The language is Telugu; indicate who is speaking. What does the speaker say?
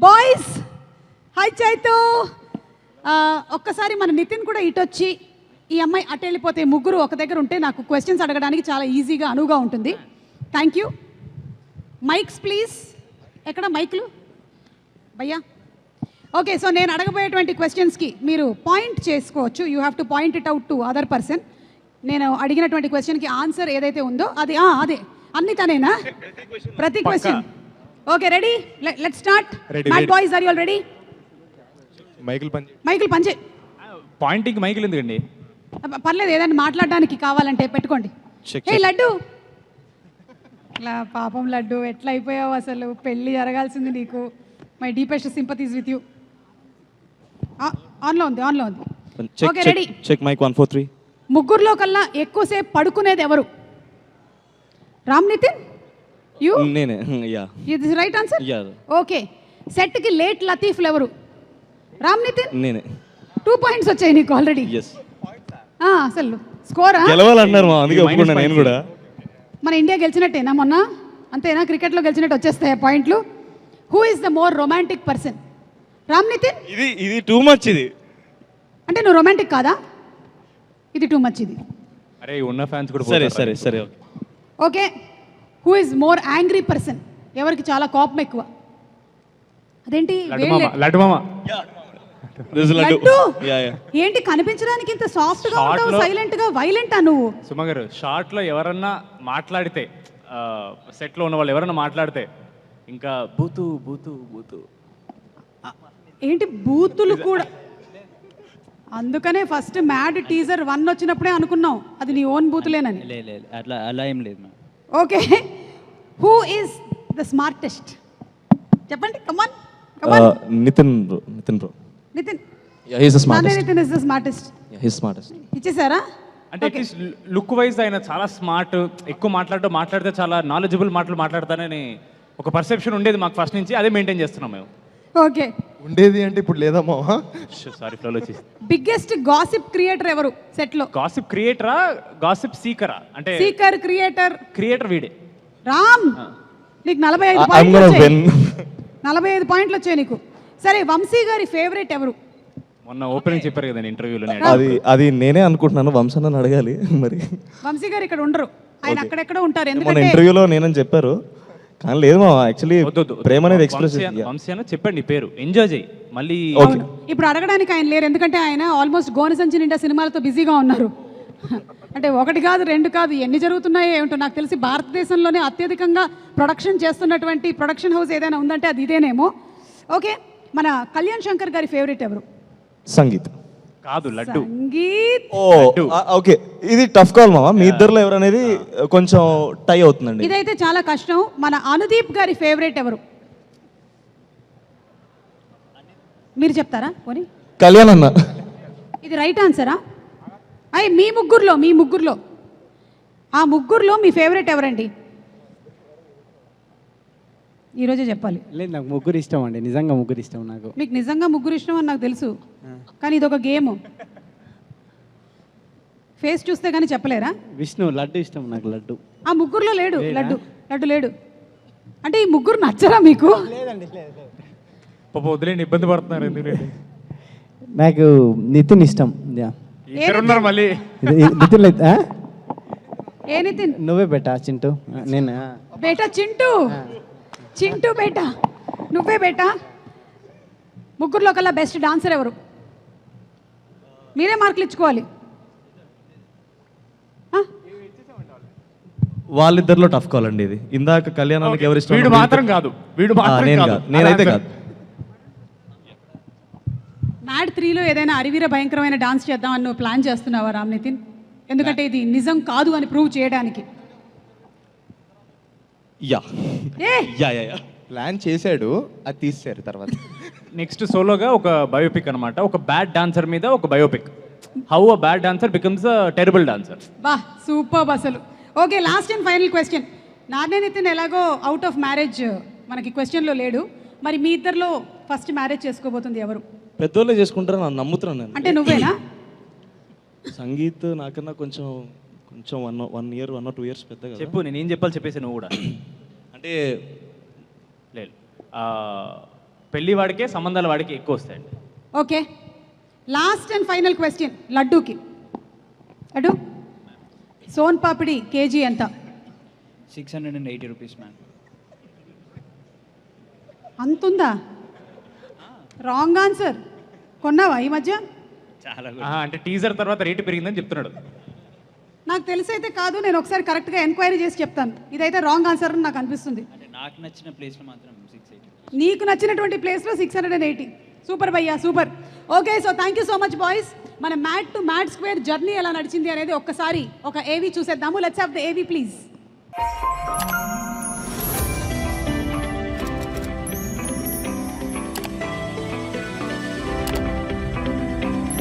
Speaker 1: Boys hi Chaitu. ఒక్కసారి మన నితిన్ కూడా ఇటొచ్చి ఈ అమ్మాయి అటు వెళ్ళిపోతే ముగ్గురు ఒక దగ్గర ఉంటే నాకు క్వశ్చన్స్ అడగడానికి చాలా ఈజీగా అనువుగా ఉంటుంది. Thank you. Mics please. ఎక్కడ మైక్లు భయ్యా? ఓకే, సో నేను అడగబోయేటువంటి క్వశ్చన్స్కి మీరు పాయింట్ చేసుకోవచ్చు. You have to point it out to other person. నేను అడిగినటువంటి క్వశ్చన్కి ఆన్సర్ ఏదైతే ఉందో అది అదే అన్ని తనేనా? ప్రతి question. Okay, ready? Let's start. Mad boys, are you all ready? మైకిల్ పంచే.
Speaker 2: పాయింటింగ్ మైకిల్ ఎందుకండి?
Speaker 1: పర్లేదు, ఏదైనా మాట్లాడడానికి కావాలంటే పెట్టుకోండి. ఏ లడ్డు, ఇలా పాపం లడ్డు ఎట్లా అయిపోయావు అసలు? పెళ్ళి జరగాల్సింది నీకు. My deepest sympathies with you. ఆన్లో ఉంది, ఆన్లో ఉంది. Okay, ready?
Speaker 3: Check mic 1 4 3.
Speaker 1: ముగ్గురులో కల్లా ఎక్కువసేపు పడుకునేది ఎవరు? రామ్ నితిన్, యూ?
Speaker 3: నేనే. యా,
Speaker 1: ఇది రైట్ ఆన్సర్.
Speaker 3: యా.
Speaker 1: ఓకే, సెట్కి లేట్ లతీఫ్లు ఎవరు? రామ్ నితిన్.
Speaker 3: నేనే.
Speaker 1: 2 పాయింట్స్ వచ్చాయి నీకు ఆల్రెడీ.
Speaker 3: yes.
Speaker 1: అసలు స్కోరా?
Speaker 3: గెలవాలన్నారు మా, అందుకే ఒప్పుకున్నా నేను కూడా.
Speaker 1: మన ఇండియా గెలిచినట్టేనా మొన్న? అంతేనా? క్రికెట్లో గెలిచినట్టు వచ్చేస్తాయి పాయింట్లు. Who is the more romantic person? Ram Nitin.
Speaker 3: ఇది టూ మచ్. ఇది
Speaker 1: అంటే నువ్వు రొమాంటిక్ కాదా? ఇది టూ మచ్. ఇది
Speaker 2: అరే ఉన్న ఫ్యాన్స్ కూడా
Speaker 3: సరే సరే సరే.
Speaker 1: Okay, who is more angry person? ఎవరికి చాలా కోపం ఎక్కువ? అదేంటి
Speaker 2: లడ్డు మామ.
Speaker 1: లడ్డు ఏంటి కనిపించడానికి ఇంత సాఫ్ట్ గా ఉంటావు, సైలెంట్ గా? వైలెంటా నువ్వు?
Speaker 2: సుమ గారు, షార్ట్ లో ఎవరన్నా మాట్లాడితే, సెట్ లో ఉన్న వాళ్ళు ఎవరన్నా మాట్లాడితే ఇంకా బూతు బూతు బూతు.
Speaker 1: ఏంటి బూతులు కూడా? అందుకనే ఫస్ట్ మ్యాడ్ టీజర్ 1 వచ్చినప్పుడే అనుకున్నాం అది నీ ఓన్ బూతులేనని.
Speaker 4: అట్లా అలా ఏం లేదు.
Speaker 1: Okay, who is the smartest? చెప్పండి, come on come on.
Speaker 3: Nitin bro.
Speaker 1: Nitin.
Speaker 3: He is the smartest.
Speaker 1: Nitin is the smartest.
Speaker 3: He is smartest.
Speaker 1: ఇచ్చేసారా?
Speaker 2: అంటే అట్లీస్ట్ లుక్ వైజ్ ఆయన చాలా స్మార్ట్, ఎక్కువ మాట్లాడితే చాలా నాలెడ్జబుల్ మాట్లాడతానని ఒక పర్సెప్షన్ ఉండేది మాకు ఫస్ట్ నుంచి. అదే మెయింటైన్ చేస్తున్నాం మేము.
Speaker 1: ఓకే,
Speaker 5: ఉండేది అంటే ఇప్పుడు లేదమ్మా.
Speaker 2: సారీ, ఫ్లోలో వచ్చి.
Speaker 1: బిగ్గెస్ట్ గాసిప్ క్రియేటర్ ఎవరు సెట్ లో?
Speaker 2: గాసిప్ క్రియేటరా, గాసిప్ సీకరా? అంటే
Speaker 1: సీకర్, క్రియేటర్
Speaker 2: వీడే.
Speaker 1: రామ్, నీకు 45 పాయింట్లు వచ్చాయి నీకు. సరే, వంశీ గారి ఫేవరెట్ ఎవరు?
Speaker 2: మొన్న ఓపెనింగ్ చెప్పారు కదా ఇంటర్వ్యూలో.
Speaker 3: అది నేనే అనుకుంటున్నాను. వంశన్న అడగాలి మరి.
Speaker 1: వంశీ గారు ఇక్కడ ఉండరు, ఆయన అక్కడెక్కడ ఉంటారు.
Speaker 3: మన
Speaker 1: ఎందుకంటే
Speaker 3: ఇంటర్వ్యూలో నేనని చెప్పారు, కానీ లేదు మా. యాక్చువల్లీ ప్రేమ అనేది ఎక్స్ప్రెస్.
Speaker 2: వంశీ అని చెప్పండి పేరు, ఎంజాయ్ చేయి మళ్ళీ.
Speaker 1: ఇప్పుడు అడగడానికి ఆయన లేరు, ఎందుకంటే ఆయన ఆల్మోస్ట్ గోనసంచి నిండా సినిమాలతో బిజీగా ఉన్నారు. అంటే 1 కాదు 2 కాదు, ఎన్ని జరుగుతున్నాయో ఏమిటో. నాకు తెలిసి భారతదేశంలోనే అత్యధికంగా ప్రొడక్షన్ చేస్తున్నటువంటి ప్రొడక్షన్ హౌస్ ఏదైనా ఉందంటే అది ఇదేనేమో. ఓకే, మన కళ్యాణ్ శంకర్ గారి ఫేవరెట్ ఎవరు?
Speaker 3: సంగీత్.
Speaker 2: కాదు, లడ్డు.
Speaker 1: సంగీత్.
Speaker 3: ఓకే, ఇది టఫ్ కాల్ మామ. మీ ఇద్దరులో ఎవరనేది కొంచెం టై అవుతుందండి.
Speaker 1: ఇదైతే చాలా కష్టం. మన అనుదీప్ గారి ఫేవరెట్ ఎవరు? మీరు చెప్తారా పోనీ?
Speaker 3: కళ్యాణ్ అన్న.
Speaker 1: ఇది రైట్ ఆన్సరా? మీ ముగ్గురులో ఆ ముగ్గురులో మీ ఫేవరెట్ ఎవరండి? ఈరోజే చెప్పాలి.
Speaker 4: లేదు, నాకు ముగ్గురు ఇష్టం అండి. నిజంగా ముగ్గురు ఇష్టం నాకు.
Speaker 1: మీకు నిజంగా ముగ్గురు ఇష్టం అని నాకు తెలుసు, కానీ ఇది ఒక గేమ్. ఫేస్ చూస్తే కానీ చెప్పలేరా?
Speaker 4: విష్ణు, లడ్డు ఇష్టం నాకు. లడ్డు
Speaker 1: ఆ ముగ్గురులో లేడు. లడ్డు లేడు. అంటే ఈ ముగ్గురు నచ్చరా మీకు?
Speaker 4: లేదండి.
Speaker 2: పాప వదిలేండి, ఇబ్బంది పడుతున్నారు. ఎందుకంటే
Speaker 4: నాకు నితిన్ ఇష్టం.
Speaker 2: ఉన్నారు మళ్ళీ.
Speaker 4: నితిన్ లేదు.
Speaker 1: ఏ నితిన్?
Speaker 4: నువ్వే బేటా చింటూ. నేను
Speaker 1: బేటా చింటూ బేటా నువ్వే బేటా. ముగ్గురులో కల్లా బెస్ట్ డాన్సర్ ఎవరు? మీరే మార్కులు ఇచ్చుకోవాలి.
Speaker 3: వాళ్ళిద్దరిలో టఫ్ కాల్ అండి ఇది. ఇందాక కళ్యాణానికి ఎవరు ఇష్టం?
Speaker 2: వీడు మాత్రం కాదు.
Speaker 3: నేనైతే కాదు.
Speaker 1: మ్యాడ్ 3లో ఏదైనా అరివీర భయంకరమైన డాన్స్ చేద్దామని నువ్వు ప్లాన్ చేస్తున్నావా రామ్ నితిన్? ఎందుకంటే ఇది నిజం కాదు అని ప్రూవ్ చేయడానికి.
Speaker 5: ప్లాన్ చేశాడు, అది తీసారు తర్వాత.
Speaker 2: నెక్స్ట్ సోలోగా ఒక బయోపిక్ అనమాట. ఒక బ్యాడ్ డాన్సర్ మీద ఒక biopic. How a bad dancer becomes a terrible dancer.
Speaker 1: వా, సూపర్ అసలు. Okay, last and final question. నాన్నే నితిన్ ఎలాగో అవుట్ ఆఫ్ మ్యారేజ్ మనకి క్వశ్చన్లో లేడు. మరి మీ ఇద్దరిలో ఫస్ట్ మ్యారేజ్ చేసుకోబోతుంది ఎవరు?
Speaker 3: పెద్దోళ్ళే చేసుకుంటారని నేను నమ్ముతున్నాను నేను.
Speaker 1: అంటే నువ్వేనా?
Speaker 3: సంగీత్ నాకన్నా కొంచెం 1 year 1 or 2 years పెద్దగా.
Speaker 2: చెప్పు, నేనేం చెప్పాలి చెప్పేసి నువ్వు కూడా.
Speaker 3: అంటే
Speaker 2: లేదు, పెళ్లి వాడికే సంబంధాల వాడికి ఎక్కువ వస్తాయండి.
Speaker 1: Okay, last and final question లడ్డూకి. లడ్డు, సోన్ పాపిడి కేజీ ఎంత?
Speaker 6: 680 rupees, ma'am.
Speaker 1: అంతుందా? Wrong answer. కొన్నావా ఈ మధ్య?
Speaker 6: చాలా
Speaker 2: అంటే టీజర్ తర్వాత రేటు పెరిగిందని చెప్తున్నాడు.
Speaker 1: నాకు తెలిసైతే కాదు, నేను ఒకసారి కరెక్ట్గా ఎంక్వైరీ చేసి చెప్తాను. ఇదైతే రాంగ్ ఆన్సర్ అని నాకు అనిపిస్తుంది.
Speaker 6: అంటే నాకు నచ్చిన ప్లేస్లో మాత్రం 680.
Speaker 1: నీకు నచ్చినటువంటి ప్లేస్లో 680. సూపర్ భయ్యా, super. Okay, so thank you so much boys. మన mat to mat square journey ఎలా నడిచింది అనేది ఒక్కసారి ఒక ఏవీ చూసేద్దాము. Let's have the AV please.